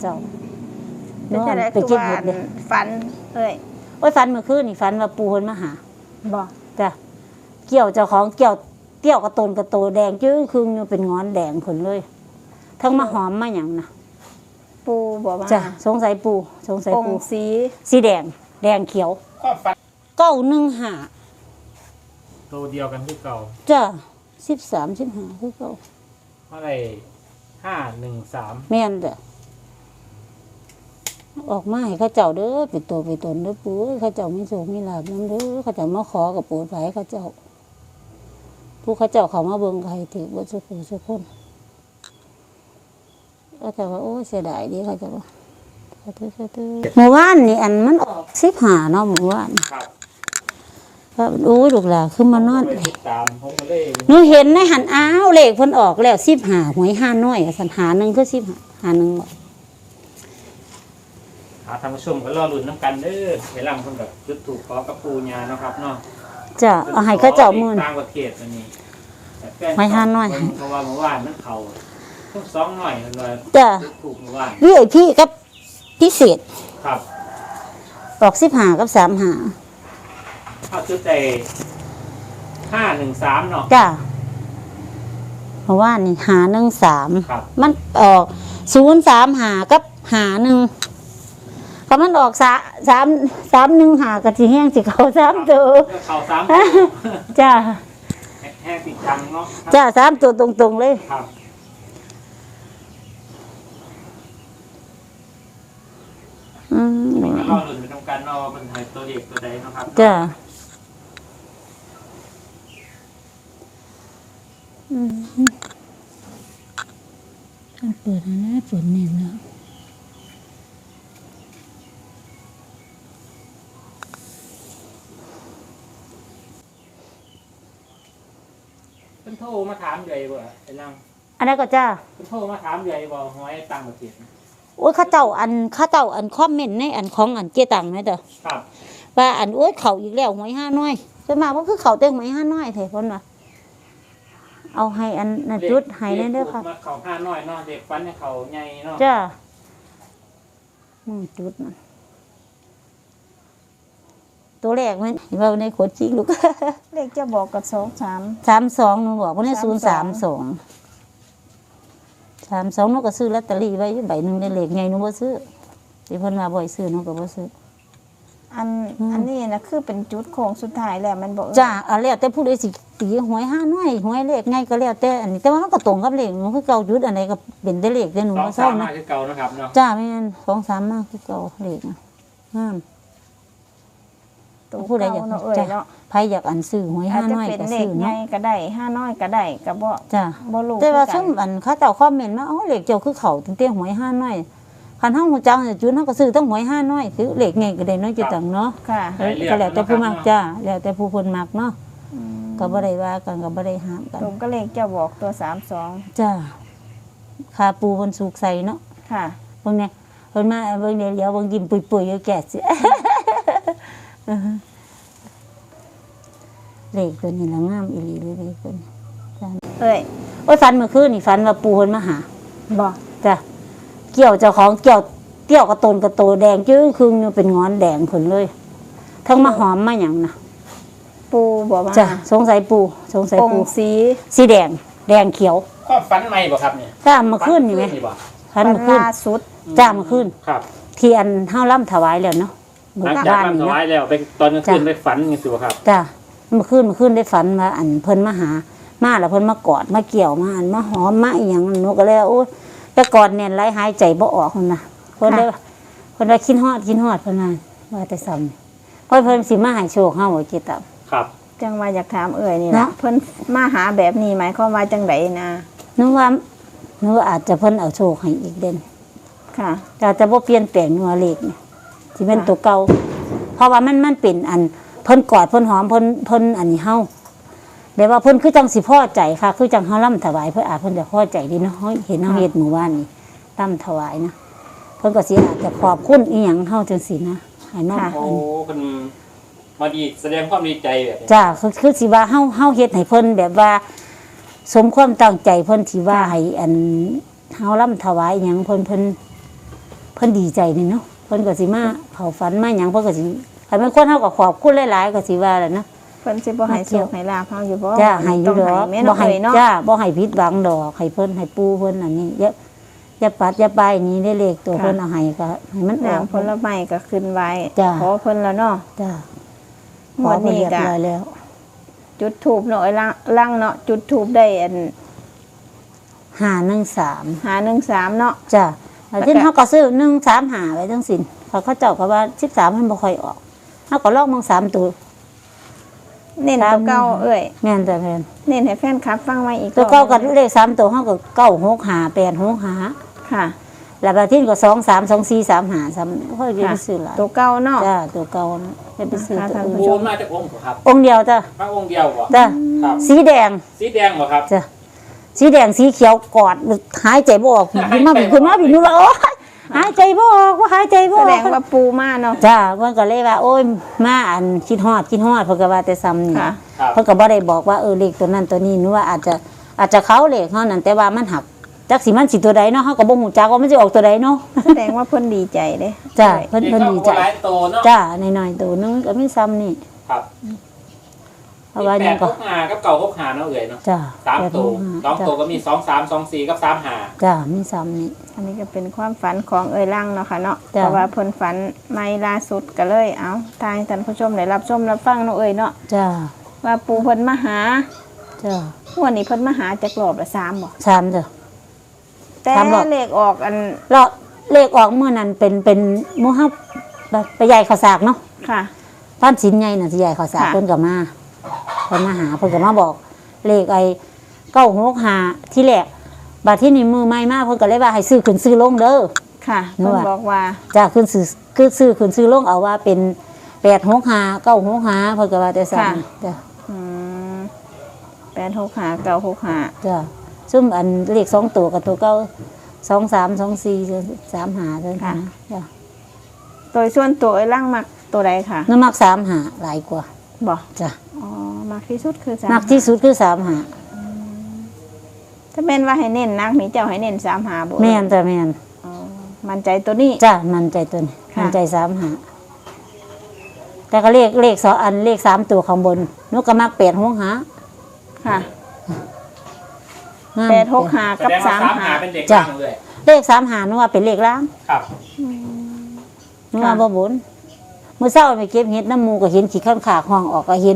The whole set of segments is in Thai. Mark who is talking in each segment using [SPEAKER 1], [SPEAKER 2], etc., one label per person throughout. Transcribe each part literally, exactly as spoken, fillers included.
[SPEAKER 1] เจ้า
[SPEAKER 2] เป็นจังได๋
[SPEAKER 1] ไป
[SPEAKER 2] คือ
[SPEAKER 1] เก็บ
[SPEAKER 2] ว่า
[SPEAKER 1] เห็ดเด้
[SPEAKER 2] ฝันเอ้ย
[SPEAKER 1] โอ้ยฝันเมื่อคืนนี่ฝันว่าปูเพิ่นมาหา
[SPEAKER 2] บ่
[SPEAKER 1] จ้ะเกี่ยวเจ้าของเกี่ยวเกี่ยวกระตนกระโตแดงจึ้งครึ่งอยู่เป็นงอนแดงผลเลยทั้งมาหอมมาหยังนะ
[SPEAKER 2] ปูบ่มา
[SPEAKER 1] จ้ะสงสัยปูสงสัย
[SPEAKER 2] อง
[SPEAKER 1] ปู
[SPEAKER 2] ค์สี
[SPEAKER 1] สีแดงแดงเขียว
[SPEAKER 3] ความฝัน
[SPEAKER 1] เก้าหนึ่งห้า
[SPEAKER 3] ตัวเดียวกันที่เก่า
[SPEAKER 1] จ้ะสิบสามสิบห้าคือเก้า
[SPEAKER 3] เท่าไหร่ห้าหนึ่งสาม
[SPEAKER 1] แม่นจ้ะออกมาให้เข้าเจ้าเด้อเป็นตัวเป็นตนเด้อปูเข้าเจ้ามีโชคมีลาภนำเด้อเข้าเจ้ามาขอกับปูไผเข้าเจ้าผู้เข้าเจ้าเขามาเบิ่งใครถือบ่สุขสุขคนก็แต่ว่าโอ้เสียดายดีเขาจะว่าสาธุสาธุเมื่อวานนี่อันมันออกสิบห้าเนาะเมื่อวาน
[SPEAKER 3] ครับ
[SPEAKER 1] ก็โอ้ยลูกหลานคือมานอน
[SPEAKER 3] ผมก็เลยติดตามผมก็เลย
[SPEAKER 1] หนูเห็นในหันอ้าวเลขเพิ่นออกแล้วสิบห้าหวยห้าน้อยสันหาหนึ่งคือสิบห้าหาหนึ่งบ่
[SPEAKER 3] หาทางผู้ชมก็รอลุ้นน้ำกันเด้อเวลาคนแบบจุดถูกขอกับปูญาเนาะครับเนาะ
[SPEAKER 1] จะเอาให้เขาเจ้ามื่น
[SPEAKER 3] ต่างประเทศอันนี้แต่แฟ
[SPEAKER 1] ไว้ห้าน้อย
[SPEAKER 3] เพราะว่าเมื่อวานมันเขาทุกสองหน่อยมันเลย
[SPEAKER 1] จ้ะ
[SPEAKER 3] จุดถูกเมื่อวาน
[SPEAKER 1] วีไอพีกับพิเศษ
[SPEAKER 3] ครับ
[SPEAKER 1] ออกสิบห้ากับสามหา
[SPEAKER 3] เข้าจุดใจห้าหนึ่งสามเนาะ
[SPEAKER 1] จ้ะเพราะว่านี่หาหนึ่งสาม
[SPEAKER 3] ครับ
[SPEAKER 1] มันออกศูนย์สามหากับหาหนึ่งก็มันออกสาสามสามหนึ่งหากะทิแห้งสิเขาสามตัว
[SPEAKER 3] เขาสาม
[SPEAKER 1] จ้า
[SPEAKER 3] แห้งติดจังเนาะ
[SPEAKER 1] จ้าสามตัวตรงๆเลย
[SPEAKER 3] ครับ
[SPEAKER 1] อืม
[SPEAKER 3] นี่ก็รอลุ้นไปทำการเนาะว่ามันให้ตัวเด็กตัวใดเนาะครับ
[SPEAKER 1] จ้าอืมเปิดนะเปิดเน่นแล้ว
[SPEAKER 3] เพิ่นโทรมาถามใหญ่บ่ไอ้ลัง
[SPEAKER 1] อันนั้นก็จ้า
[SPEAKER 3] เพิ่นโทรมาถามใหญ่บ่หวยต่างประเทศนะ
[SPEAKER 1] โอ้ยเข้าเจ้าอันเข้าเจ้าอันคอมเมนต์ในอันของอันเจตังนะเด้อ
[SPEAKER 3] ครับ
[SPEAKER 1] ว่าอันโอ้ยเขาอีกแล้วหวยห้าน้อยส่วนมากก็คือเขาเต็งหวยห้าน้อยเถอะคนว่าเอาให้อันนั้นจุดให้ได้เด้อค่ะ
[SPEAKER 3] มาเขาห้าน้อยเนาะเด็กฟันให้เขาใหญ่เนาะ
[SPEAKER 1] จ้าอืมจุดมันตัวแรกมันเห็นว่าในขวดจริงลูก
[SPEAKER 2] เลขจะบอกกับสองสาม
[SPEAKER 1] สามสองหนูบอกว่าในศูนย์สามสองสามสองหนูก็ซื้อลอตเตอรี่ไว้อยู่ใบหนึ่งในเลขไงหนูบ่ซื้อที่เพิ่นว่าบ่อยซื้อหนูก็บ่ซื้อ
[SPEAKER 2] อัน
[SPEAKER 1] อืม
[SPEAKER 2] อันนี้นะคือเป็นจุดโค้งสุดท้ายแล้วมันบอก
[SPEAKER 1] จ้าเอาแล้วแต่ผู้ใดสิตีหวยห้าน้อยหวยเลขไงก็แล้วแต่อันนี้แต่ว่ามันก็ตรงกับเลขหนูคือเก่าจุดอันไหนก็เป็นแต่เลขแต่หนู
[SPEAKER 3] สอง
[SPEAKER 1] บ่
[SPEAKER 3] สา
[SPEAKER 1] เศร้าม นะ
[SPEAKER 3] มาคือเก่านะครับเนาะ
[SPEAKER 1] จ้าแม่นสองสามมากคือเก่าเลขนะงาม
[SPEAKER 2] ตัว
[SPEAKER 1] ผู้ใดอยาก
[SPEAKER 2] เก่าเนาะเอ้ย
[SPEAKER 1] จ้ะ
[SPEAKER 2] เนาะ
[SPEAKER 1] ไผอยากอันซื้อหวย
[SPEAKER 2] อา
[SPEAKER 1] ห้า
[SPEAKER 2] จจะ
[SPEAKER 1] น้อย
[SPEAKER 2] เป็น
[SPEAKER 1] ก็
[SPEAKER 2] เล
[SPEAKER 1] ซื้
[SPEAKER 2] ข
[SPEAKER 1] อ
[SPEAKER 2] ใหญ่
[SPEAKER 1] เนาะ
[SPEAKER 2] ก็ได้ห้าน้อยก็ได้ก็บ่
[SPEAKER 1] จ้า
[SPEAKER 2] บ่รู้
[SPEAKER 1] แต่ว่า
[SPEAKER 2] คือ
[SPEAKER 1] ซุ่มอันเขาเจ้าคอมเมนต์มาอ๋อเลขเจ้าคือเขาตั้งแต่หวยห้าน้อยคันเฮาฮู้จักเนี่ยจุดเฮาก็ซื้อตั้งหวยห้าน้อยคือเลขไงก็ได้เนาะจุดตังเนาะ
[SPEAKER 2] ค่ะ
[SPEAKER 1] เออก็แล้วแต่ผู้มักจ้าแล้วแต่ผู้เพิ่นมักเนาะ
[SPEAKER 2] อืม
[SPEAKER 1] ก็บ่ได้ว่ากันก็บ่ได้ห้ามกัน
[SPEAKER 2] ตรงก็เลขจะบอกตัวสามสอง
[SPEAKER 1] จ้าค่าปูเพิ่นสุกใส่เนาะ
[SPEAKER 2] ค่ะ
[SPEAKER 1] เบิ่งเนี่ยเพิ่นมาเบิ่งเดี๋ยวเดี๋ยวเบิ่งยิ้มปุยๆอยู่แก่สิ เลขตัวนี้ละงามอีหลีเลยเลขตัวนี้
[SPEAKER 2] เอ้ย
[SPEAKER 1] โอ้ยฝันเมื่อคืนนี่ฝันว่าปูเพิ่นมาหา
[SPEAKER 2] บ่
[SPEAKER 1] จ้ะเกี่ยวเจ้าของเกี่ยวเกี่ยวกระตนกระโตแดงจึ้งครึ่งอยู่เป็นงอนแดงผลเลยทั้งมาหอมมาหยังนะ
[SPEAKER 2] ปูบ่มา
[SPEAKER 1] จ้ะสงสัยปูสงสัย
[SPEAKER 2] อง
[SPEAKER 1] ปู
[SPEAKER 2] ค์สี
[SPEAKER 1] สีแดงแดงเขียว
[SPEAKER 3] ความฝันใหม่บ่ครับเนี่ย
[SPEAKER 1] จ้าเมื่อคืนนี่ไหม
[SPEAKER 3] บ่
[SPEAKER 1] ฝันเมื่อคืน
[SPEAKER 2] ล่าสุด
[SPEAKER 1] จ้าเมื่อคืน
[SPEAKER 3] ครับ
[SPEAKER 1] ที่อันเฮาล่ำถวายแล้วเนาะ
[SPEAKER 3] หลังจาก
[SPEAKER 1] บ้าน
[SPEAKER 3] ทำ
[SPEAKER 1] นี่
[SPEAKER 3] ถวา
[SPEAKER 1] เนาะ
[SPEAKER 3] ยแล้วไปตอนกลางคืนไปฝันยังสิบ่ครับ
[SPEAKER 1] จ้าเมื่อคืนเมื่อคืนได้ฝันว่าอันเพิ่นมาหามาแล้วเพิ่นมากอดมาเกี่ยวมาอันมาหอมมาอีหยังหนูก็เลยว่าโอ้ยแต่ก่อนเนี่ยไหลหายใจบ่ออกคนน่ะเพิ่นได้เพิ่นว่าคิดฮอดคิดฮอดเพิ่นว่าว่าแต่ซ้ำเพราะเพิ่นสิมาให้โชคเฮาบ่จิตตับ
[SPEAKER 3] ครับ
[SPEAKER 2] จังว่าอยากถามเอ่ยนี่
[SPEAKER 1] เนาะ
[SPEAKER 2] นะเพิ่นมาหาแบบนี้หมายความว่าจังไดนะ
[SPEAKER 1] หนูว่าหนูว่าอาจจะเพิ่นเอาโชคให้อีกเด่น
[SPEAKER 2] ค่ะ
[SPEAKER 1] แต่จะบ่เปลี่ยนแปลงหนูว่าเลขนี่สิเป็นตัวเก่าเพราะว่ามันมันเป็นอันเพิ่นกอดเพิ่นหอมเพิ่นเพิ่นอันนี้เฮาแบบว่าเพิ่นคือจังสิพอใจค่ะ คือจังเฮาล่ำถวายเพิ่นอาจเพิ่นจะพอใจดีเนาะเฮ้ยเห็นเฮาเฮ็ดหมู่บ้านนี่ล่ำถวายนะเพิ่นก็สิอาจจะขอบคุณอีหยังเฮาจังซี่นะให้น้อง
[SPEAKER 2] ค่ะ
[SPEAKER 3] โอ้
[SPEAKER 1] อัน
[SPEAKER 3] คุณมาดีแสดงความดีใจแบบนี้
[SPEAKER 1] จ้าคือคือสิว่าเฮาเฮาเฮ็ดให้เพิ่นแบบว่า สมความตั้งใจเพิ่นที่ว่าให้อันเฮาล่ำถวายอิหยังเพิ่นเพิ่นพิ่นดีใจนี่เนาะเพิ่นก็สิมาเข้าฝันมาหยังเพิ่นก็สิคันแม่นคนเฮาก็ขอบคุณหลายๆก็สิว่าแหละเนาะ
[SPEAKER 2] เพิ่นสิบ่ให้โชคให้ลาภเฮาอยู่บ่
[SPEAKER 1] จ้าให้อยู่ดอก
[SPEAKER 2] แม่
[SPEAKER 1] บ่
[SPEAKER 2] เนาะ
[SPEAKER 1] ให้
[SPEAKER 2] เอ้ยเนาะ
[SPEAKER 1] จ้าบ่ให้ผิดหวังดอกให้เพิ่นให้ปู่เพิ่นอันนี้อย่าอย่าปัดอย่าไปนี้ได้เลขตัวเพิ่นเอาให้ก็ให้มันออก
[SPEAKER 2] น้ำผลไม้ก็ขึ้นไว้
[SPEAKER 1] จ้า
[SPEAKER 2] ขอเพิ่นแล้วเนาะ
[SPEAKER 1] จ้า
[SPEAKER 2] หมดนี้
[SPEAKER 1] เรียบ
[SPEAKER 2] ก็
[SPEAKER 1] ร้อยแล้ว
[SPEAKER 2] จุดธูปเนาะไอ้ลังลังเนาะจุดธูปได้อัน
[SPEAKER 1] ห้าหนึ่งสาม
[SPEAKER 2] หาหนึ่งสามเนาะ
[SPEAKER 1] จ้าแล้วที่เขาก็ซื้อหนึ่งสามหาไว้ทั้งสิ้นเขาเขาเจ้าก็ว่าสิบสามมันบ่ค่อยออกเขาก็ลอกมองสามตัว
[SPEAKER 2] เน้นตัวเก่าเอ้ย
[SPEAKER 1] แม่นแต่แม่น
[SPEAKER 2] เน้นให้แฟนคลับฟังไว้อีก
[SPEAKER 1] ตัวเก้ากับเลขสามตัวเขาก็เก้าหกหาแปดหกหา
[SPEAKER 2] ค่ะ
[SPEAKER 1] แล้วบางที่ก็สองสามสองสี่สามหาสามค่อยเรียนไปซื้อหลาย
[SPEAKER 2] ตัวเก่าเนาะ
[SPEAKER 1] จ้าตัวเก่านะเรียนไปซื้อ
[SPEAKER 2] ค่ะ
[SPEAKER 1] ตัว
[SPEAKER 2] ท่าน
[SPEAKER 1] อื่น
[SPEAKER 2] ผู้
[SPEAKER 3] ปู
[SPEAKER 2] ช
[SPEAKER 3] นมาจากองค์เหรอครับ
[SPEAKER 1] องค์เดียวจ้า
[SPEAKER 3] พระองค์เดียวบ่
[SPEAKER 1] จ้า
[SPEAKER 3] ครับ
[SPEAKER 1] สีแดง
[SPEAKER 3] สีแดงบ่ครับ
[SPEAKER 1] จ้ะสีแดงสีเขียวกอดหายใจบ่ออกขึ้นมาขึ้นมาพี่นู้นว่าโอ้ยหายใจบ่ออกว่าหายใจบ่
[SPEAKER 2] แส
[SPEAKER 1] อ
[SPEAKER 2] ด
[SPEAKER 1] อก
[SPEAKER 2] งว่าปูมาเนาะ
[SPEAKER 1] จ้าเพิ่นก็เลยว่าโอ้ยมาอันคิดฮอดคิดฮอดเพิ่นก็ว่าแต่ซ้ำนี่
[SPEAKER 2] ค่ะ
[SPEAKER 3] ครับ
[SPEAKER 1] เพิ่นก็บ่ได้บอกว่าเออเลขตัวนั้นตัวนี้หนูว่าอาจจะอาจจะเขาเลขเฮานั่นแต่ว่ามันหักจักสิมันสิตัวใดเนาะเฮาก็บ่ฮู้จักว่ามันสิออกตัวใดเนาะ
[SPEAKER 2] แสดงว่าเพิ่นดีใจเด้
[SPEAKER 1] จ้าเพิ่นเพิ่นดีใจ
[SPEAKER 3] เด็กก็บ่หลายโตเนาะ
[SPEAKER 1] จ้าน้อยๆตัวนึงก็มีซ้ำนี่
[SPEAKER 3] ครับ
[SPEAKER 1] เพราะว่า
[SPEAKER 3] แป
[SPEAKER 1] ยัง
[SPEAKER 3] ด
[SPEAKER 1] ก็
[SPEAKER 3] หกห้ากับเก่าหกห้าเนาะเอ่ยเนาะ
[SPEAKER 1] จ้า
[SPEAKER 3] สามตัวสอง
[SPEAKER 1] จ้า
[SPEAKER 3] ตัวก็มีสองสามสองสี่กับสามห้า
[SPEAKER 1] จ้ามีซ้ำนี่
[SPEAKER 2] อันนี้ก็เป็นความฝันของเอ้ยลังเนาะค่ะเนาะ
[SPEAKER 1] จ้ะ
[SPEAKER 2] เพราะว่าเพิ่นฝันไม่ล่าสุดก็เลยเอาทายท่านผู้ชมได้รับชมรับฟังเนาะเอ้ยเนาะ
[SPEAKER 1] จ้า
[SPEAKER 2] ว่าปูเพิ่นมาหา
[SPEAKER 1] จ้า
[SPEAKER 2] วันนี้เพิ่นมาหาจักรอบละสามบ่
[SPEAKER 1] ซ้ำจ้ะ
[SPEAKER 2] แต่
[SPEAKER 1] สามรอบ
[SPEAKER 2] เลขออกอัน
[SPEAKER 1] แล้วเลขออกเมื่อนั้นเป็นเป็นหมู่เฮาไปไปใหญ่ข้าวสากเนาะ
[SPEAKER 2] ค่ะ
[SPEAKER 1] บ้านสินใหญ่น่ะสิใหญ่ข้าวสาก
[SPEAKER 2] ค่ะ
[SPEAKER 1] เพิ่นก็มาเพิ่นมาหาเพิ่นก็มาบอก เลขไอ้เก้าหกห้าที่แรกบัดที่นี่มือใหม่มาเพิ่นก็เลยว่าให้ซื้อขึ้นซื้อลงเด้อ
[SPEAKER 2] ค่ะ
[SPEAKER 1] นึก
[SPEAKER 2] เพิ่น
[SPEAKER 1] ว่า
[SPEAKER 2] บอกว่า
[SPEAKER 1] จ้าขึ้นซื้อคือซื้อขึ้นซื้อลงเอาว่าเป็นแปดหกห้าเก้าหกห้าเพิ่นก็ว่าแต่สั่นจ้ะ
[SPEAKER 2] อืมแปดหกห้าเก้าหกห้า
[SPEAKER 1] จ้ะซึ่งอันเลขสองตัวกับตัวเก้าสองสามสองสี่สามหาเท่านั้นนะจ้ะ
[SPEAKER 2] โดยส่วนตัวเอ้ยลังมักตัวใดค่ะ
[SPEAKER 1] น้ำมักสามหาหลายกว่า
[SPEAKER 2] บ่
[SPEAKER 1] จ้ะ
[SPEAKER 2] อ๋อมักที่สุดคือสาม
[SPEAKER 1] มักที่สุดคือสามหา
[SPEAKER 2] ถ้าแม่นว่าให้เน้นนักนี่เจ้าให้เน้นสามหาบ่
[SPEAKER 1] แม่นจ้ะแม่น
[SPEAKER 2] อ๋อมั่นใจตัวนี้
[SPEAKER 1] จ้ะมันใจตัวนี้
[SPEAKER 2] ค่ะ
[SPEAKER 1] มันใจสามหาแต่ก็เลขเลขสองอันเลขสามตัวข้างบนนกก็มักแปดหกหา
[SPEAKER 2] ค่ะ
[SPEAKER 1] งาม
[SPEAKER 2] แปดหกห้า
[SPEAKER 3] แส
[SPEAKER 2] กับ
[SPEAKER 3] ดงว่า
[SPEAKER 2] สาม
[SPEAKER 3] สาม
[SPEAKER 2] หา
[SPEAKER 3] หาเป็นเด็ก
[SPEAKER 1] จ้ะ
[SPEAKER 3] ล่างเลย
[SPEAKER 1] เลขสามหานึกว่าเป็นเลขล่าง
[SPEAKER 3] ครับ
[SPEAKER 1] นึกว่าบ่บนเมื่อเช้าไปเก็บเห็ดน้ำหมูก็เห็นขี้ข้างขาห้องออกก็เห็น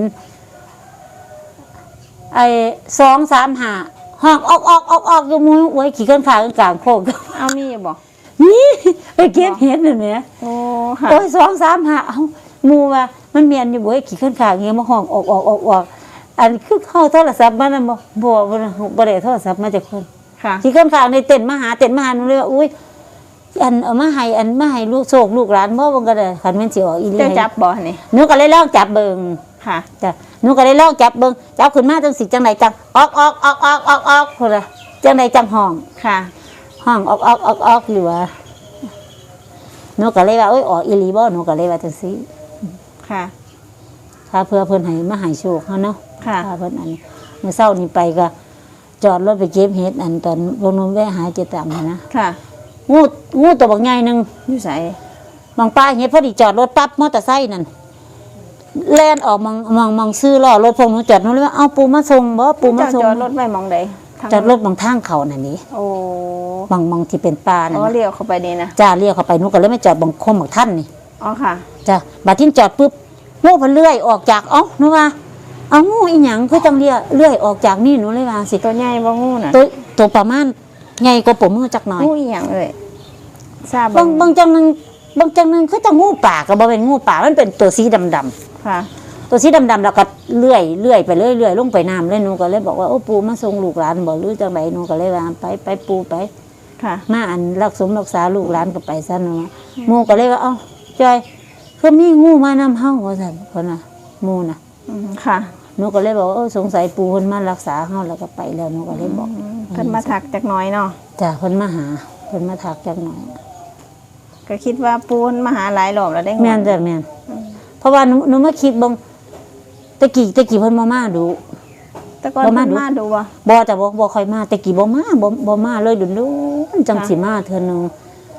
[SPEAKER 1] ไอ้สองสามหาห้องออกออกออกออกอยู่หมูไว้ขี้ข้างขากลางโคก
[SPEAKER 2] เอามีอยู่บ่
[SPEAKER 1] นี่ไปเก็บเห็ดนั่นแหละ
[SPEAKER 2] โอ้ค่ะ
[SPEAKER 1] โอ้ยสองสามหาเอ้าหมูว่ามันเมียนอยู่บ่ไอ้ขี้ข้างขาเงี้ยมาห้องออกออกออกออกอันคือเข้าโทรศัพท์มานั่นบ่บ่บ่บ่ได้โทรศัพท์มาจากคน
[SPEAKER 2] ค่ะ
[SPEAKER 1] ขี้ข้างขาในเต็นท์มาหาเต็นท์มาหาหนูเลยว่าอุ้ยอันเอามาให้อันมาให้ลูกโศกลูกหลานบ่บ่ก็ได้คันแม่นสิออกอีหลี
[SPEAKER 2] เจ้าจับบ่นี่
[SPEAKER 1] หนูก็เลยลองจับเบิ่ง
[SPEAKER 2] ค่ะ
[SPEAKER 1] จ้ะหนูก็เลยลองจับเบิ่งจับขึ้นมาจังสิจังไดจังออกออกออกออกออกออกพุ่นน่ะจังไดจังห้อง
[SPEAKER 2] ค่ะ
[SPEAKER 1] ห้องออกออกออกออกอยู่ว่าหนูก็เลยว่าเอ้ยออกอีหลีบ่หนูก็เลยว่าจังซี่
[SPEAKER 2] ค่ะ
[SPEAKER 1] ถ้าเพื่อเพิ่นให้มาให้โชคเฮาเนาะ
[SPEAKER 2] ค่ะ
[SPEAKER 1] ถ้าเพิ่นอันเมื่อเช้านี้ไปก็จอดรถไปเก็บเห็ดอันตอนวงนมแวะหาเจตามนะ
[SPEAKER 2] ค่ะ
[SPEAKER 1] งูงูตัวบักใหญ่หนึง
[SPEAKER 2] อยู่ไส
[SPEAKER 1] มองป้าเห็ดพอดีจอดรถปั๊บมอเตอร์ไซค์นั่นแล่นออกมองมองมองซื้อล้อรถพงหนูจอดหนูเลยว่าเอาปูมาส่งบ่ปูมา
[SPEAKER 2] เจ้า
[SPEAKER 1] ส่ง
[SPEAKER 2] จอดรถไว้หมองใดทาง
[SPEAKER 1] จอดรถบางทางเขานั่นนี่
[SPEAKER 2] โอ้
[SPEAKER 1] บางบางที่เป็นป่านั่น
[SPEAKER 2] อ๋อ
[SPEAKER 1] น่ะ
[SPEAKER 2] เลี้ยวเข้าไปนี่นะ
[SPEAKER 1] จ้าเรียกเขาไปหนูก็เลยไม่จอดบางคมบางท่านนี่
[SPEAKER 2] อ๋อค่ะ
[SPEAKER 1] จ้าบัดที่จอดปุ๊บงูเพันเลื่อยออกจากเอ้าหนูว่าเอางูอีหยังคือจังเลียเลื่อยออกจากนี่หนูเลยว่าสิ
[SPEAKER 2] ตัวใหญ่บ่งูน่ะ
[SPEAKER 1] ตัวตัวประมาณใหญ่กว่าผมมือจักหน่อย
[SPEAKER 2] งูอีหยังเอ่ยทราบ
[SPEAKER 1] บางบางจังหนึงบางจังหนึงคือจังงูป่าก็บ่เป็นงูป่ามันเป็นตัวสีดำๆ
[SPEAKER 2] ค่ะ
[SPEAKER 1] ตัวสีดำๆแล้วก็เลื่อยเลื่อยไปเรื่อยเลื่อยลงไปน้ำเลยหนูก็เลยบอกว่าโอ้ปูมาส่งลูกหลานบอกหรือจังไหนหนูก็เลยว่าไปไปปูไป
[SPEAKER 2] ค่ะ
[SPEAKER 1] มาอันรักสมรักษาลูกหลานก็ไปซะหนูหมูก็เลยว่าเอ้าจอยคือมีงูมานำเฮาว่าซั่นคนน่ะหมูน่ะ
[SPEAKER 2] อืมค่ะ
[SPEAKER 1] หนูก็เลยบอกว่าเออสงสัยปูเพิ่นมารักษาเฮาแล้วก็ไปแล้วหนูก็เลยบอก
[SPEAKER 2] เพิ่นมาถักจักหน้อยเนาะ
[SPEAKER 1] จ้ะเพิ่นมาหาเพิ่นมาทักจักหน่อย
[SPEAKER 2] ก็คิดว่าปูนมาหาหลายรอบแล้วได้งวด
[SPEAKER 1] แม่นจ้ะแม่นเพราะว่าหนูหนูมาคิดเบิ่งตะกี้ตะกี้เพิ่นมามาดู
[SPEAKER 2] แต่ก่อน
[SPEAKER 1] บ่มา
[SPEAKER 2] เพิ่น
[SPEAKER 1] ดู
[SPEAKER 2] มาดูบ่
[SPEAKER 1] บ่จะบ่บ่ค่อยมาแต่กี้บ่มาบ่บ่มาเลยดุนๆจังสิมาเทื่อนึง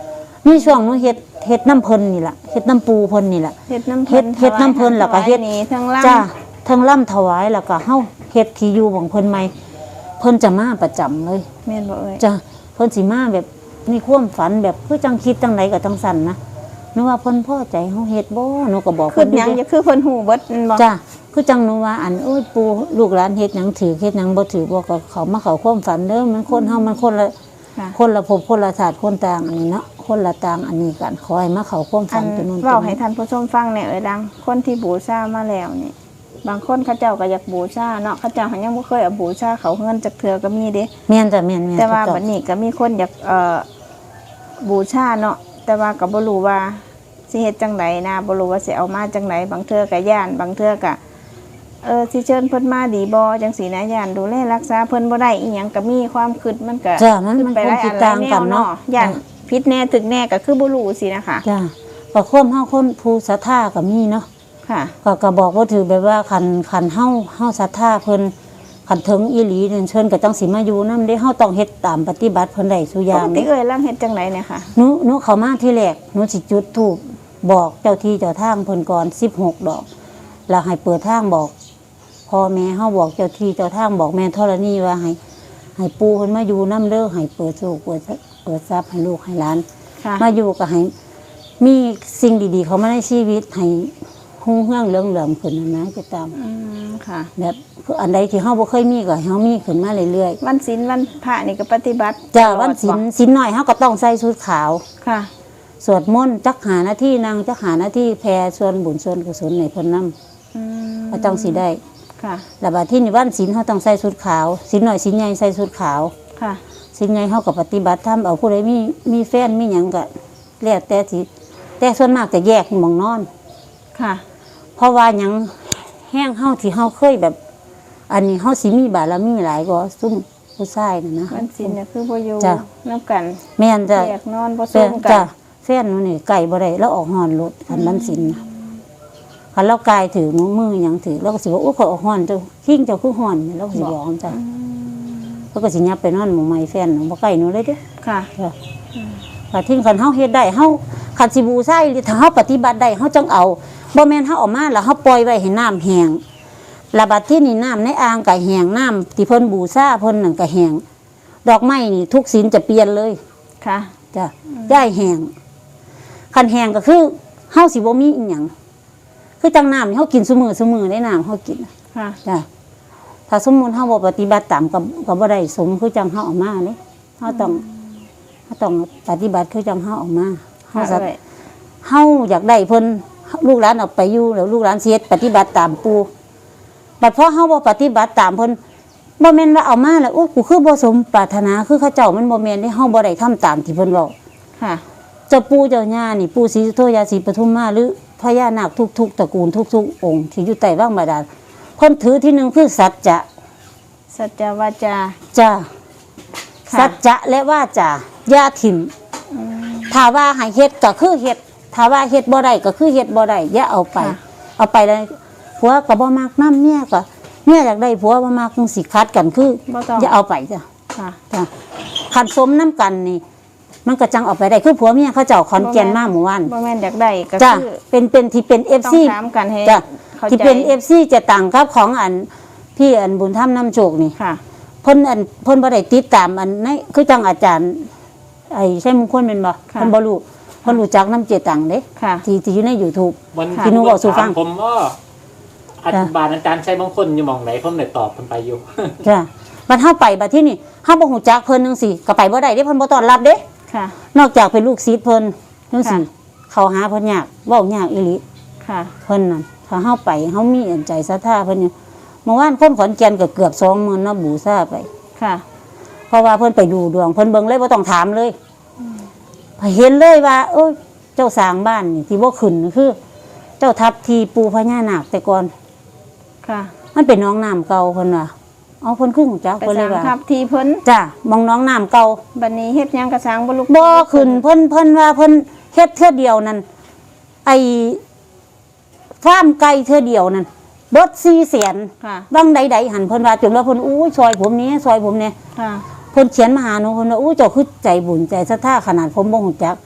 [SPEAKER 1] มีช่วงหนูเฮ็ดเฮ็ดน้ำเพิ่นนี่ล่ะเฮ็ดน้ำปูเพิ่นนี่ล่ะ
[SPEAKER 2] เฮ็ดน้ำ
[SPEAKER 1] เฮ็ดเฮ็ดน้ำเพิ่นแล้วก็เฮ็ด
[SPEAKER 2] นี่ทั้งล่าง
[SPEAKER 1] จ้าทั้งล่ำถวายแล้วก็เฮาเฮ็ดที่อยู่ของเพิ่นใหม่เพิ่นจะมาประจำเลย
[SPEAKER 2] แม่นบ่เอ่ย
[SPEAKER 1] จ้าเพิ่นสิมาแบบมีความฝันแบบคือจังคิดจังไดก็จังสั่นนะหนูว่าเพิ่นพอใจเฮาเฮ็ดบ่หนูก็บอก
[SPEAKER 2] คื
[SPEAKER 1] เพิ่
[SPEAKER 2] อน หยัง
[SPEAKER 1] เด้
[SPEAKER 2] จะคือเพิ่นฮู้เบิดแม่นบ่
[SPEAKER 1] จ้าคือจังหนูว่าอันโอ้ยปู่ลูกหลานเฮ็ดหยังถือเฮ็ดหยังบ่ถือบ่ก็เขามาเข้าความฝันเด้อมันคนเฮามันคนละ
[SPEAKER 2] ค่ะ
[SPEAKER 1] คนละภพคนละศาสตร์คนต่างอันนี้เนาะคนละต่างอันนี้กันขอให้มาเข้าความ
[SPEAKER 2] อั
[SPEAKER 1] ฝั
[SPEAKER 2] น
[SPEAKER 1] นตัวนู้น
[SPEAKER 2] เว้า
[SPEAKER 1] ตัว
[SPEAKER 2] ให้
[SPEAKER 1] นี้
[SPEAKER 2] ท่านผู้ชมฟังแหน่เอ่ยดัง คนที่บูชามาแล้วนี่บางคนเขาเจ้าก็อยากบูชาเนาะเขาเจ้าเขายังบ่เคยเอาบูชาเขาเงินจักเทื่อก็มีเด้
[SPEAKER 1] แม่นจ้ะแม่นแม่น
[SPEAKER 2] แต่ว่า
[SPEAKER 1] ถูก
[SPEAKER 2] บั
[SPEAKER 1] ต้
[SPEAKER 2] ด
[SPEAKER 1] อง
[SPEAKER 2] นี้ก็มีคนอยากเอ่อบูชาเนาะแต่ว่าก็บ่รู้ว่าสิเฮ็ดจังไดนะบ่รู้ว่าสิเอามาจังไดบางเทื่อก็ย่านบางเทื่อก็เออสิเชิญเพิ่นมาดีบ่จังซี่นะย่านดูแลรักษาเพิ่นบ่ได้อีหยังก็มีความคิดมันก็
[SPEAKER 1] จ้ะมัน
[SPEAKER 2] ขึ้
[SPEAKER 1] มัน
[SPEAKER 2] ไป
[SPEAKER 1] ค
[SPEAKER 2] ห
[SPEAKER 1] วาม
[SPEAKER 2] ลาย
[SPEAKER 1] คิ
[SPEAKER 2] อั
[SPEAKER 1] ด
[SPEAKER 2] นหลา
[SPEAKER 1] ต่าย ง
[SPEAKER 2] แน
[SPEAKER 1] กั
[SPEAKER 2] วน
[SPEAKER 1] เนาะ
[SPEAKER 2] เนาะย่านผิดแน่ถึกแน่ก็คือบ่รู้สินะคะ
[SPEAKER 1] จ้าก็ความเฮาคนผู้ศรัทธาก็มีเนาะ
[SPEAKER 2] ค่ะ
[SPEAKER 1] ก็ก็บอกว่าถือแบบว่าคันคันเฮาเฮาศรัทธาเพิ่นคันถึงอีหลีเนี่ยเชิญก็จังสิมาอยู่นำเด้เฮาต้องเฮ็ดตามปฏิบัติเพิ่นได้ซุอ
[SPEAKER 2] ป
[SPEAKER 1] ย่าง
[SPEAKER 2] กติ
[SPEAKER 1] เด้
[SPEAKER 2] เอ้ยล่างเฮ็ดจังไดเนี่ยค่ะ
[SPEAKER 1] หนูหนูเข้ามาที่แรกหนูสิจุดธูปบอกเจ้าที่เจ้าทางเพิ่นก่อนสิบหกดอกแล้วให้เปิดทางบอกพ่อแม่เฮาบอกเจ้าที่เจ้าทางบอกแม่ธรณีว่าให้ให้ปู่เพิ่นมาอยู่นำเด้อให้เปิดโชคเปิดเปิดทรัพย์ให้ลูกให้หลาน
[SPEAKER 2] ค่ะ
[SPEAKER 1] มาอยู่ก็ให้มีสิ่งดีๆ เข้ามาในชีวิตให้หุ่งเฮืองเรื่องเหลื่อมขึ้นนะนะจะตาม
[SPEAKER 2] อืมค่ะ
[SPEAKER 1] แบบอันใดที่เฮาบ่เคยมีก็ให้เฮามีขึ้นมาเรื่อย
[SPEAKER 2] วันศีลวันพระนี่ก็ปฏิบัติ
[SPEAKER 1] ๆจ้า
[SPEAKER 2] ตลอด
[SPEAKER 1] วันศีล
[SPEAKER 2] บ่
[SPEAKER 1] ศีลน้อยเฮาก็ต้องใส่ชุดขาว
[SPEAKER 2] ค่ะ
[SPEAKER 1] สวดมนต์จักหาหน้าที่นางจักหาหน้าที่แผ่ส่วนบุญส่วนกุศลให้เพิ่นนำ
[SPEAKER 2] อืม
[SPEAKER 1] ก็ต้องสิได้
[SPEAKER 2] ค่ะ
[SPEAKER 1] แล้วบัดที่นี่วันศีลเฮาต้องใส่ชุดขาวศีลน้อยศีลใหญ่ใส่ชุดขาว
[SPEAKER 2] ค่ะ
[SPEAKER 1] ศีลใหญ่เฮาก็ปฏิบัติธรรมเอาผู้ใดมีมีแฟนมีหยังก็แล้วแต่สิแต่ส่วนมากจะแยกหม่องนอน
[SPEAKER 2] ค่ะ
[SPEAKER 1] เพราะว่าหยังแห้งเฮาที่เฮาเคยแบบ อันนี้เฮาสิมีบารมีหลายกว่าซุ่มผู้ชายน่ะนะ
[SPEAKER 2] วันศีลเนี่ยคือบ่อยู่
[SPEAKER 1] จ้ะ
[SPEAKER 2] นำกัน
[SPEAKER 1] แม่นจ้ะ
[SPEAKER 2] แยกนอนบ่
[SPEAKER 1] แฟ
[SPEAKER 2] ซุ่
[SPEAKER 1] น
[SPEAKER 2] มกั
[SPEAKER 1] จ้ะ
[SPEAKER 2] น
[SPEAKER 1] แฟนหนูนี่ไก่บ่ได้แล้วออกหอนรถคันมันสินนะคันเรากายถือมือมือหยังถือเราก็สิว่าโอ้ยขอยออกหอนเจ้าขิงเจ้าคือหอนเราก็สิบอกจ้ะเขาก็สิยับไปนอนหมู่ใหม่แฟนหนูบ่ใกล้หนูเลยเด้อ
[SPEAKER 2] ค่ะ
[SPEAKER 1] จ้ะถ้าทิ้งคันเฮาเฮ็ดได้เฮาคันสิบูชาอีหรือถ้าเฮาปฏิบัติได้เฮาจังเอาบ่แม่นเฮาเออกมาแล้วเฮาปล่อยไว้ให้น้ำแห้งระบัดที่นี่น้ำในอ่างก็แห้งน้ำที่เพิ่นบูชาเพิ่นนั่นก็แห้งดอกไม้นี่ทุกศีลจะเปลี่ยนเลย
[SPEAKER 2] ค่ะ
[SPEAKER 1] จ้ะย่ายแห้งคันแห้งก็คือเฮาสิบ่มีอีหยังคือจังน้ำนี่เฮากินซุมื้อซุมื้อได้น้ำเฮากิน
[SPEAKER 2] ค่ะ
[SPEAKER 1] จ้ะถ้าสมมุติเฮาบ่ปฏิบัติตามก็ก็บ่ได้สมคือจังเฮาเออกมาเด้เฮาต้องเฮาต้องปฏิบัติคือจังเฮาออกมาเฮา
[SPEAKER 2] ค่ะ
[SPEAKER 1] สัต
[SPEAKER 2] เอ้ย
[SPEAKER 1] เฮาอยากได้เพิ่นลูกหลานเอาไปอยู่แล้วลูกหลานสิเฮ็ดปฏิบัติตามปู่บัดพอเฮาบ่ปฏิบัติตามเพิ่นบ่แม่นว่าเอามาแล้วโอ้กูคือบ่สมปรารถนาคือเขาเจ้ามันบ่แม่นได้เฮาบ่ได้ทำตามที่เพิ่นเว้า
[SPEAKER 2] ค่ะ
[SPEAKER 1] เจ้าปู่เจ้าย่านี่ปู่ศรีสุโธยาศรีปทุมมาหรือพญานาคทุกๆตระกูลทุกๆองค์ที่อยู่ใต้ว่างบาดาลเพิ่นถือที่หนึ่งคือสัจจะ
[SPEAKER 2] สัจจวาจา
[SPEAKER 1] จ้า
[SPEAKER 2] ค่ะ
[SPEAKER 1] สัจจะและว่าจาอย่าถิ่มถ้าว่าให้เฮ็ดก็คือเฮ็ดถ้าว่าเฮ็ดบ่ได้ก็คือเฮ็ดบ่ได้อย่าเอาไป เอาไปแล้วผัวก็บ่มักนำเมียก็เมียอยากได้ผัวบ่มักจังสิคัดกันคือ
[SPEAKER 2] บ่ต้อง
[SPEAKER 1] อย่าเอาไปจ้ะ
[SPEAKER 2] ค่ะ
[SPEAKER 1] จ้ะคันสมน้ำกันนี่ มันก็จังเอาไปได้คือผัวเมียเขาเจ้าขอนแก่นมาหมู่บ้าน
[SPEAKER 2] บ่แม่นอยากได้ก็
[SPEAKER 1] จ้ะ
[SPEAKER 2] คือ
[SPEAKER 1] เป็นเป็นที่เป็น
[SPEAKER 2] ต้อง
[SPEAKER 1] เอฟ ซี
[SPEAKER 2] ถามกันให้
[SPEAKER 1] จ้ะ
[SPEAKER 2] เข้า
[SPEAKER 1] ที่
[SPEAKER 2] ใจ
[SPEAKER 1] เป็น เอฟ ซี จะต่างครับของอันพี่อันบุญธรรมน้ำโชคนี่
[SPEAKER 2] ค่ะ
[SPEAKER 1] เพิ่นอันเพิ่นบ่ได้ติดตามอันในคือจังอาจารย์ ไอ้ใช่มงคลแม่นบ่
[SPEAKER 2] ค่ะ
[SPEAKER 1] เพิ่นบ่รู้เพิ่นรู้จักน้ำเจตังเด้
[SPEAKER 2] ค่ะ
[SPEAKER 1] ที่ที่อยู่ใน YouTube
[SPEAKER 3] มัน
[SPEAKER 1] ที่หนูบอกสู่ฟัง
[SPEAKER 3] ถามผมว่าอธิบาลอาจารย์ใช้บางคนอยู่หมองไหนผมเลยตอบมันไปอยู่
[SPEAKER 1] จ้ะบัดเฮาไปบัดที่นี่เฮาบ่ฮู้จักเพิ่นจังซี่ก็ไปบ่ได้เด้เพิ่นบ่ต้อนรับเด้
[SPEAKER 2] ค่ะ
[SPEAKER 1] นอกจากเป็นลูกศิษย์เพิ่นจังซี่
[SPEAKER 2] ค่ะ
[SPEAKER 1] เข้าหาเพิ่นยากเว้ายากอีหลี
[SPEAKER 2] ค่ะ
[SPEAKER 1] เพิ่นน่ะถ้าเฮาไปเฮามีอันใจศรัทธาเพิ่นอยู่เมื่อวานคนขอนแก่นก็เกือบสองหมื่นเนาะบูชาไป
[SPEAKER 2] ค่ะ
[SPEAKER 1] เพราะว่าเพิ่นไปดูดวงเพิ่นเบิ่งเลยบ่ต้องถามเลยเห็นเลยว่าเอ้ยเจ้าสร้างบ้านนี่ที่บ่ขึ้นคือ เจ้าทับทีปูพญานาคแต่ก่อน
[SPEAKER 2] ค่ะ
[SPEAKER 1] มันเป็นหน้องน้ำเก่าเพิ่นว่าเอาเพิ่นคือฮู้จัก
[SPEAKER 2] ไป
[SPEAKER 1] เพิ่นเล
[SPEAKER 2] สร้าย ง
[SPEAKER 1] ว่า
[SPEAKER 2] ทับทีเพิ่น
[SPEAKER 1] จ้ะมองหน้องน้ำเก่า
[SPEAKER 2] บัดนี้เฮ็ดหยังก็สร้างบ่ลุก
[SPEAKER 1] บ่ขึ้นเพิ่นเพิ่นว่าเพิ่นเฮ็ดเทื่อเดียวนั่นไอ้ฟาร์มไก่เทื่อเดียวนั่นเบิดสี่แสน
[SPEAKER 2] ค่ะ
[SPEAKER 1] บางใดๆหันเพิ่นว่าจนว่าเพิ่นอู้ยซอยผมนี้ซอยผมเนี่ย
[SPEAKER 2] ค่ะ
[SPEAKER 1] เพิ่นเขียนมาหาหนูเพิ่นว่าอู้เจ้าคือใจบุญใจศรัทธาขนาดผมบ่ฮู้จัก เจ้า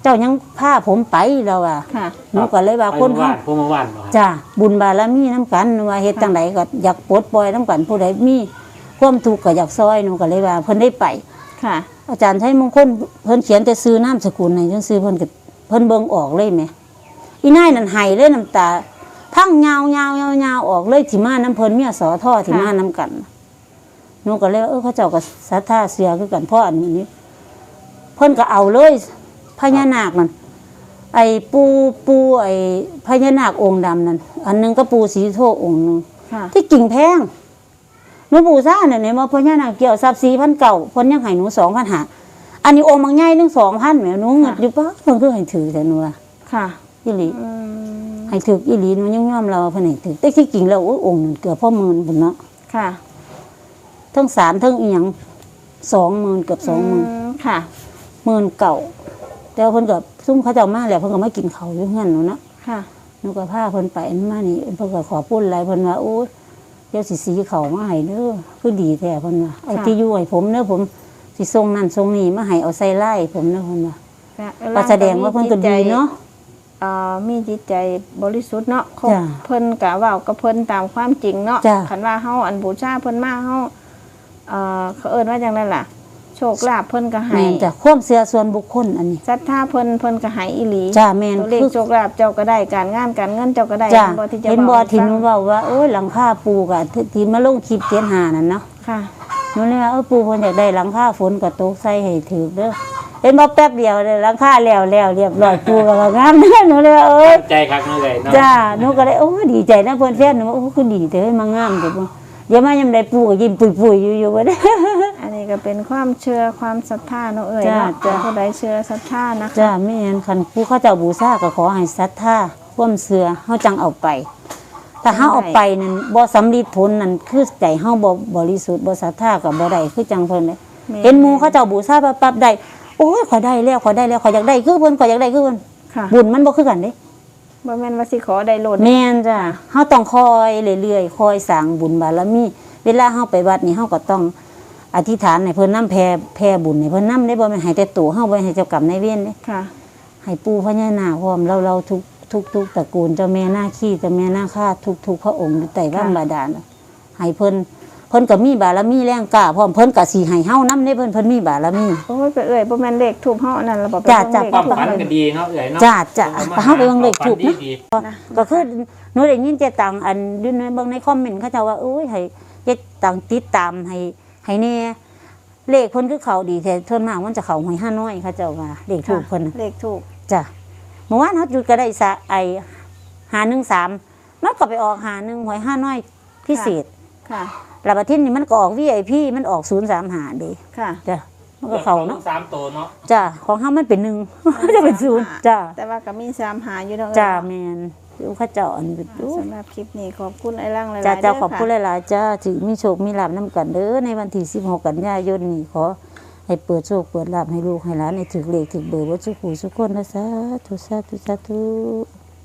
[SPEAKER 1] จ้ายังพาผมไปแล้วอ่ะ
[SPEAKER 2] ค่ะ
[SPEAKER 1] หนูก็เลยว่า
[SPEAKER 3] ไป
[SPEAKER 1] คน
[SPEAKER 3] เมื่อ
[SPEAKER 1] เฮา
[SPEAKER 3] วานพวกเมื่อวานบ่ครับ
[SPEAKER 1] จ้าบุญบารมีน้ำกันว่าเฮ็ดจังไดก็อยากปลดปล่อยน้ำกันผู้ใดมีความทุกข์ก็อยากซอยหนูก็เลยว่าเพิ่นได้ไป
[SPEAKER 2] ค่ะ
[SPEAKER 1] อาจารย์ใช้มงคลเพิ่นเขียนแต่ซื้อนามสกุลให้จังซื้อเพิ่นก็เพิ่นเบิ่งออกเลยแหมอีนายนั่นไหเลยน้ำตาพังยาวๆๆๆออกเลยที่มาน้ำเพิ่นเมียสอท่อที่มาน้ำกันหนูก็เลยว่าเออเขาเจ้าก็ศรัทธาเสียคือกันเพราะอันนี้เพิ่นก็เอาเลยพญานาคนั่นไอ้ปูปูไอ้พญานาคองค์ดำนั่นอันหนึงก็ปูสีโทองค์หนึง
[SPEAKER 2] ค่ะ
[SPEAKER 1] ที่กิ่งแพงหนูปูซ่าเนี่ยเนี่ยมาพญานาคเกี่ยวทรัพย์สี่พันเก่าเพิ่นยังให้หนูสองพันหาอันนี้องค์บางใหญ่นึงสองพันแหมหนูเงิดอยู่ปะเพิ่นคือให้ถือแต่หนูว่า
[SPEAKER 2] ค่ะ
[SPEAKER 1] อีหลี
[SPEAKER 2] อืม
[SPEAKER 1] ให้ถืออีหลีหนูยังยอมเราว่าเพิ่นให้ถือแต่ที่กิ่งแล้วโอ้ยองค์นึงเกือบพ่อหมื่นพุ่นเนาะ
[SPEAKER 2] ค่ะ
[SPEAKER 1] ทั้งสารทั้งอีหยังสองหมื่นเกือบสองหมื่น
[SPEAKER 2] มค่ะ
[SPEAKER 1] หมื่นเก่าแต่ว่าเพิ่นก็ซุ่มเขาเจ้ามาแล้วเพิ่นก็มากินข้าวอยู่เฮือนหนูเนาะ
[SPEAKER 2] ค่ะ
[SPEAKER 1] หนูก็พาเพิ่นไปมานี่เพิ่นก็ขอพูดอะไรเพิ่นว่าโอ้ยเดี๋ยวสิสีเขามาให้เด้อคือดีแท้เพิ่นว่าเอาที่อยู่ให้ผมเด้อผมสิส่งนั่นส่งนี่มาให้เอาใส่ไล่ผมเด้อเพิ่นว่าก็แสดงว่าเพิ่นก็ดีเนาะ
[SPEAKER 2] เอ่อมีจิตใจบริสุทธิ์เนาะเขา
[SPEAKER 1] จ้ะ
[SPEAKER 2] เพิ่นกะเว้ากับเพิ่นตามความจริงเนาะ
[SPEAKER 1] จ้ะ
[SPEAKER 2] คันว่าเฮาอันบูชาเพิ่นมาเฮาเอ่อเขาเอิ้นว่าจังได๋ล่ะ โชคลาภเพิ่นก็ให้
[SPEAKER 1] แม่นจ้ะความเชื่อส่วนบุคคลอันนี้
[SPEAKER 2] ศรัทธาเพิ่นเพิ่นก็ให้อีหลี
[SPEAKER 1] จ้าแม่น
[SPEAKER 2] ตัวเลข
[SPEAKER 1] คือ
[SPEAKER 2] โชคลาภเจ้าก็ได้การงานการเงินเจ้าก็ได้
[SPEAKER 1] จ้า
[SPEAKER 2] บ่ที่จะ
[SPEAKER 1] เห็นบ่
[SPEAKER 2] ว้ให้
[SPEAKER 1] ที่หนู
[SPEAKER 2] ฟัง
[SPEAKER 1] เว้าว่าโอ้ยหลังคาปูกะที่ที่มาลงคลิปเจ็ดห้านั่นเนาะ
[SPEAKER 2] ค่ะ
[SPEAKER 1] หนูเลยว่าเออปูเพิ่นอยากได้หลังคาฝนก็ตกใส่ให้ถูกเด้อเห็นบ่แป๊บเดียวเลยหลังคาแล้วแล้วเรียบร้อยปูก็ว่างามเด้อหนูเลยว่าเอ้ย
[SPEAKER 3] ใจคักเนาะเลยเนาะ
[SPEAKER 1] จ้าหนูก็เลยโอ้ดีใจนะเพื่อนแฟนหนูว่าโอ้คือดีแต่ให้มางามแต่ว่าเดี๋ยวมายามใดปูก็ยิ้มปุยๆอยู่อยู่บ่ได้
[SPEAKER 2] อันนี้ก็เป็นความเชื่อความศรัทธาเนาะเอ้ย
[SPEAKER 1] จ้ะ
[SPEAKER 2] เนาะ
[SPEAKER 1] จ้ะ
[SPEAKER 2] ผู้ใดเชื่อศรัทธานะคะ
[SPEAKER 1] จ้าแม่นคันผู้เขาเจ้าบูชาก็ขอให้ศรัทธาความเชื่อเฮาจังเอาไปถ้าเฮาเอาไปนั่นบ่สำลิดผลนั่นคือใจเฮาบ่บริสุทธิ์บ่ศรัทธาก็บ่ได้คือจังเพิ่นเลย
[SPEAKER 2] แม่
[SPEAKER 1] เห็นหมู่เขาเจ้าบูชาปั๊บๆได้โอ้ยขอยได้แล้วขอยได้แล้วขอยอยากได้คือเพิ่นขอยอยากได้คือเพิ่น
[SPEAKER 2] ค่ะ
[SPEAKER 1] บุญมันบ่คือกันเด้
[SPEAKER 2] บ่แม่นว่าสิขอได้โลด
[SPEAKER 1] แม่นจ้ะเฮาต้องคอยเรื่อยๆคอยสร้างบุญบารมีเวลาเฮาไปวัดนี่เฮาก็ต้องอธิษฐานให้เพิ่นนำแผ่แผ่บุญให้เพิ่นนำได้บ่แม่นให้แต่ตัวเฮาบ่ให้เจ้ากรรมนายเวรเด้
[SPEAKER 2] ค่ะ
[SPEAKER 1] ให้ปู่พญานาคพร้อมเราเราทุกทุกทุกตระกูลเจ้าแม่นาคีเจ้าแม่นาคาทุกทุกพระองค์อยู่ใต้ร่างบาดาลน่ะให้เพิ่นเพิ่นก็มีบารมีแรงกล้าพร้อมเพิ่นก็สิให้เฮานำได้เพิ่นเพิ่นมีบารมี
[SPEAKER 2] โอ้ยไปเอ่ยบ่แม่นเลขทูบเฮาอันนั้นเราบอกไป
[SPEAKER 1] จ้ะ
[SPEAKER 2] เบิ่ง
[SPEAKER 1] จ้ะ
[SPEAKER 2] เลข
[SPEAKER 3] ความ
[SPEAKER 2] ทูบ
[SPEAKER 3] ฝัน
[SPEAKER 2] เฮา
[SPEAKER 3] ก็ดีเนาะเอ้ยเนาะ
[SPEAKER 1] จ้ะจ้ะไปเฮาไปเบิ่งเลขทูป
[SPEAKER 3] ดี
[SPEAKER 1] นะ
[SPEAKER 3] ดี
[SPEAKER 1] ก็คือหนูได้ยินเจตังอันอยู่ในเบิ่งในคอมเมนต์เขาเจ้าว่าโอ้ยให้เจตังติดตามให้ให้แน่เลขเพิ่นคือเขาดีแต่ส่วนมากมันจะเข้าหวยห้าน้อยเขาเจ้าว่าเลขถูกเพิ่นน่ะ
[SPEAKER 2] เลขทูบ
[SPEAKER 1] จ้ะเมื่อวานเฮาจุดก็ได้สะไอห้าหนึ่งสามมันก็ไปออกห้าหนึ่งหวยห้าน้อยพิเศษ
[SPEAKER 2] ค่ะ
[SPEAKER 1] แล้วบัดทีนี้มันก็ออก วี ไอ พี มันออกศูนย์สามห้าเด้
[SPEAKER 2] ค่ะ
[SPEAKER 1] จ้ะมันก็เข้าเนาะ
[SPEAKER 3] สามตัวเนาะ
[SPEAKER 1] จ้ะของเฮามันเป็นหนึ่ง จะเป็นศูนย์จ้ะ
[SPEAKER 2] แต่ว่าก็มีสามหาอยู่เนาะ
[SPEAKER 1] จ้ะ
[SPEAKER 2] เอ้ย
[SPEAKER 1] แม่นดูเขาเจ้าอันเป็นดู
[SPEAKER 2] สำหรับคลิปนี้ขอบคุณไอ้ร่างหลายๆ
[SPEAKER 1] จ้า
[SPEAKER 2] เด้
[SPEAKER 1] เจ้า
[SPEAKER 2] อ
[SPEAKER 1] ขอบคุณ
[SPEAKER 2] ค่ะ
[SPEAKER 1] หลายๆจ้าถือมีโชคมีลาบน้ำกันเด้อในวันที่สิบหกกันยายนนี้ขอให้เปิดโชคเปิดลาบให้ลูกให้หลานในถึกเลขถึกเบอร์วัดสุขูสุขคนนะสาธุสาธุสาธุ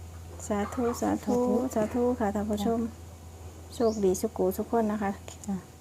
[SPEAKER 2] สาธุ สาธุ สาธุค่ะท่านผู้ชม โชคดีสุขูสุขคนนะคะ
[SPEAKER 1] จ้ะ